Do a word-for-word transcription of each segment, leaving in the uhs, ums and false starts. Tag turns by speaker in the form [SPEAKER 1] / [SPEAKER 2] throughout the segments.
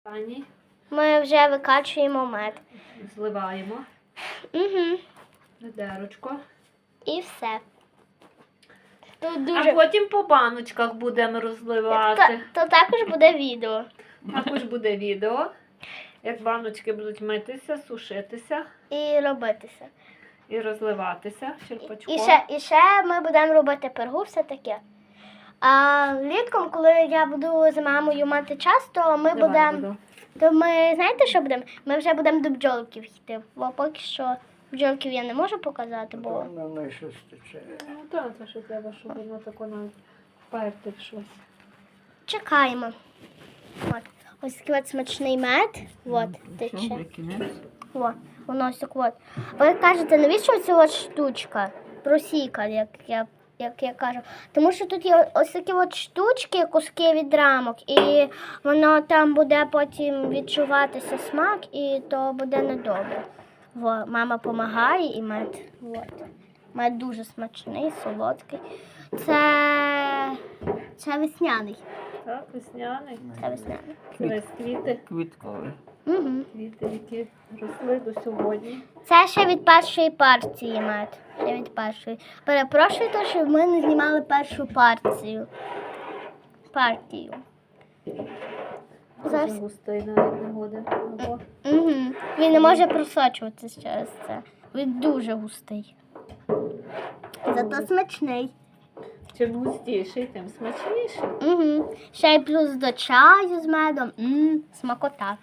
[SPEAKER 1] Пані,
[SPEAKER 2] Ми вже викачуємо мед.
[SPEAKER 1] зливаємо
[SPEAKER 2] Угу.
[SPEAKER 1] ведерочко.
[SPEAKER 2] І все. Тут
[SPEAKER 1] А
[SPEAKER 2] дуже...
[SPEAKER 1] потім по баночках будемо
[SPEAKER 2] то,
[SPEAKER 1] розливати.
[SPEAKER 2] то також буде відео.
[SPEAKER 1] Також буде відео, як баночки будуть митися, сушитися
[SPEAKER 2] І робитися.
[SPEAKER 1] і розливатися черпачком.
[SPEAKER 2] І ще, і ще ми будемо робити пергу, все таке. А влітком, коли я буду з мамою мати час, то ми
[SPEAKER 1] Давай
[SPEAKER 2] будемо.
[SPEAKER 1] буду.
[SPEAKER 2] То ми знаєте, що будемо? Ми вже будемо до бджолків йти. Бо поки що бджолків я не можу показати, бо
[SPEAKER 3] Воно не щось тече.
[SPEAKER 1] Ну так, це що треба, щоб воно тако навіть вперти в щось.
[SPEAKER 2] чекаємо. От. Ось такий от смачний мед. От, тече. О, воно ось так от. Ви кажете, навіщо ця от штучка? Просіка, як я, як я кажу. Тому що тут є ось такі от штучки, куски від рамок, і воно там буде потім відчуватися смак, і то буде недобре. Во, мама допомагає і мед. От. Мед дуже смачний, солодкий. Це, це весняний.
[SPEAKER 1] Так, весняний.
[SPEAKER 2] Це весняний.
[SPEAKER 1] Це квіти,
[SPEAKER 3] Квітковий.
[SPEAKER 2] Угу.
[SPEAKER 1] квіти, які росли до сьогодні.
[SPEAKER 2] Це ще від першої партії мед. Ще від першої. Перепрошую, то, що ми не знімали першу партію. Партію.
[SPEAKER 1] Дуже
[SPEAKER 2] Зараз.
[SPEAKER 1] густий навіть не годен. Ого.
[SPEAKER 2] Угу. Він не може просочуватися через це. Він дуже густий. Зато смачний.
[SPEAKER 1] Чим густіший, тим смачніший.
[SPEAKER 2] Угу. Ще й плюс до чаю з медом. Мм, смакота.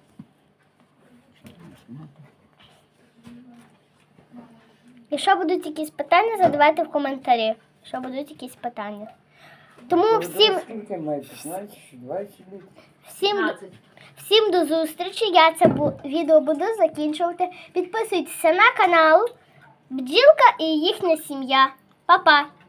[SPEAKER 2] Якщо будуть якісь питання, задавайте в коментарі. Якщо будуть якісь питання. Тому всім,
[SPEAKER 3] Скільки має? п'ятнадцять, двадцять літрів?
[SPEAKER 2] всім,
[SPEAKER 1] п'ятнадцять.
[SPEAKER 2] всім до зустрічі. Я це бу- відео буду закінчувати. Підписуйтеся на канал Бджілка і їхня сім'я. Па-па!